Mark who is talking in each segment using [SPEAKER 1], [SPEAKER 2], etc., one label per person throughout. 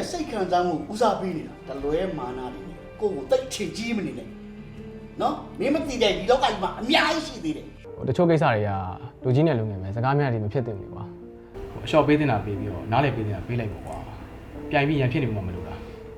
[SPEAKER 1] ရဲ့စိတ်ခံစားမှုဦးစားပေးနေတာတလွဲမာနာတွေကိုကိုတိတ်ချင်ကြီးမနေနဲ့နော်မင်းမသိတဲ့ဒီလောကကြီးမှာအများကြီးရှိသေးတယ်
[SPEAKER 2] တချို့ကိစ္စတွေကလူကြီးနဲ့လူငယ်ပဲစကားများတွေမဖြစ်သင့်ဘူးကွာအလျှော့ပေးတင်တာပေးပြီးတော့နားလည်ပေးတင်တာပေးလိုက်ပေါ့ကွာပြိုင်ပြီးရန်ဖြစ်နေမှမလို့လား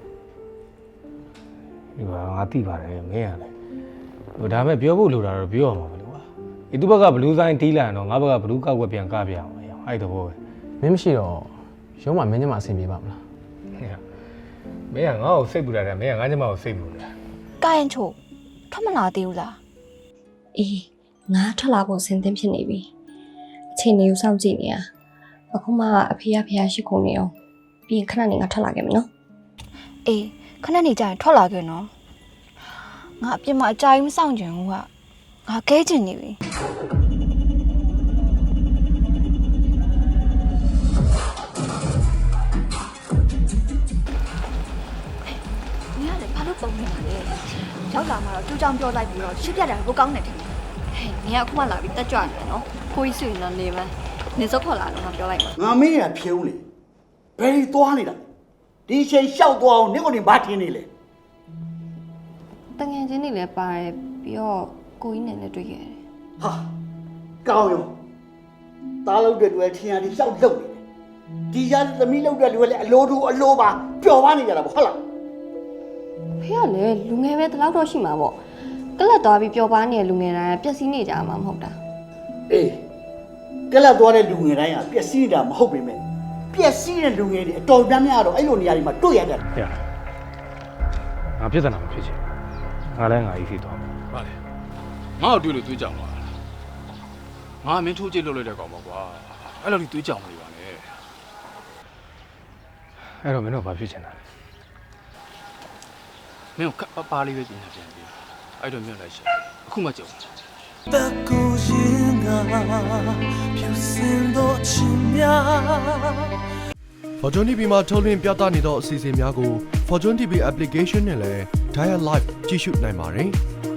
[SPEAKER 3] ဒီမှာငါသိပါတယ်မင်းရတယ်ဟိုဒါပေမဲ့ပြောဖို့လိုတာတော့ပြောရမှာမလို့ကွာဒီသူဘက်ကဘလူးဆိုင်တီးလာတော့ငါဘက်ကဘလူးကောက်ွက်ပြန်ကပြအောင်အဲ့တဘောပဲ
[SPEAKER 2] မင်းမရှိတော့ရုံးမှာမင်းညမအဆင်ပြေပါမလား
[SPEAKER 3] မင်းကငါ့ကိုစိတ်ပူတာတယ်မင်းကငါ့ကျမကိုစိတ်ပူတာ
[SPEAKER 4] ကာယန်ချိုထွက်မလာသေးဘူးလားအေးငါထွက်လာဖို့စဉ်းသင်းဖြစ်နေပြီအချိန်လေးကိုစောင့်ကြည့်နေရအခုမှအဖေဖះရှိခုံနေအောင်ပြီးရင်ခဏနေငါထွက်လာခဲ့မယ်နော်အေးခဏနေကြရင်ထွက်လာခဲ့နော်ငါအပြစ်မအကြိုက်မစောင့်ကြဘူးကငါခဲချင်နေပြီဘာလို့ပုံနေမှာလဲရောက်လာမှာတော့သူ့ကြောင့်ပြောလိုက်ပြီးတော့ရှစ်ပြတ်တယ်ကိုကောင်းနေတယ်ဟဲ့နင်ကအခုမှလာပြီးတက်ကြွနေတယ်နော်ကိုကြီးဆွေနော်နေမယ်နေစောခေါ်လာတော့ငါပြောလိုက်မှာ
[SPEAKER 1] ငါမင်းရဖြုံးလေဘယ်ဒီသွားနေတာဒီချိန်လျှောက်သွားအောင်နင့်ကိုနေဘာထင်းနေလဲ
[SPEAKER 4] တငယ်ချင်းတွေလည်းပါတယ်ပြီးတော့ကိုကြီးနဲ့လည်းတွေ့ခဲ့တယ်
[SPEAKER 1] ဟာကောင်းရောသားလို့တဲ့တွေထင်ရဒီလျှောက်လုတ်နေတယ်ဒီရသမီးလုတ်တဲ့တွေလည်းအလိုတူအလိုပါပျော်ပါနေကြတာပေါ့ဟုတ်လား
[SPEAKER 4] ဖေကလည်းလူငယ်ပဲတလောက်တော့ရှိမှာပေါ့ကလတ်သွားပြီးပျော်ပါနေတဲ့လူငယ်တိုင်းပျက်စီးနေကြမှာမဟုတ်တာ
[SPEAKER 1] အေးကလပ်သွားတဲ့လူငယ်တိုင်းကပျက်စီးတာမဟုတ်ပေမဲ့ပျက်စီးတဲ့လူငယ်တွေအတော်များများတော့အဲ့လိုနေရာတွေမှာတွေ့ရတယ်
[SPEAKER 3] ဟဲ့ငါပြဿနာမဖြစ်ချင်ငါလည်းငါအေးစီသွားမယ်
[SPEAKER 5] ပါလေငါ့ကိုတွေ့လို့တွေးကြောင်ပါငါမင်းထိုးကြည့်လို့လိုက်တဲ့ကောင်ပါကွာအဲ့လိုကြီးတွေးကြောင်မနေပါနဲ့
[SPEAKER 3] အဲ့တော့မင်းတို့ဘာဖြစ်ချင်တာလဲ
[SPEAKER 5] မင်းကိုပါလေးပဲပြင်နေပြန်ပြီအဲ့တော့မြို့လိုက်ရှာအခုမှကြောက်
[SPEAKER 6] 的孤影啊，飘散多奇妙。Fortune TV မှာထုတ်လွှင့်ပြသနေသောအစီအစဉ်များကို Fortune TV application နဲ့လည်း Dial Live ကြည့်ရှုနိုင်ပါတယ်။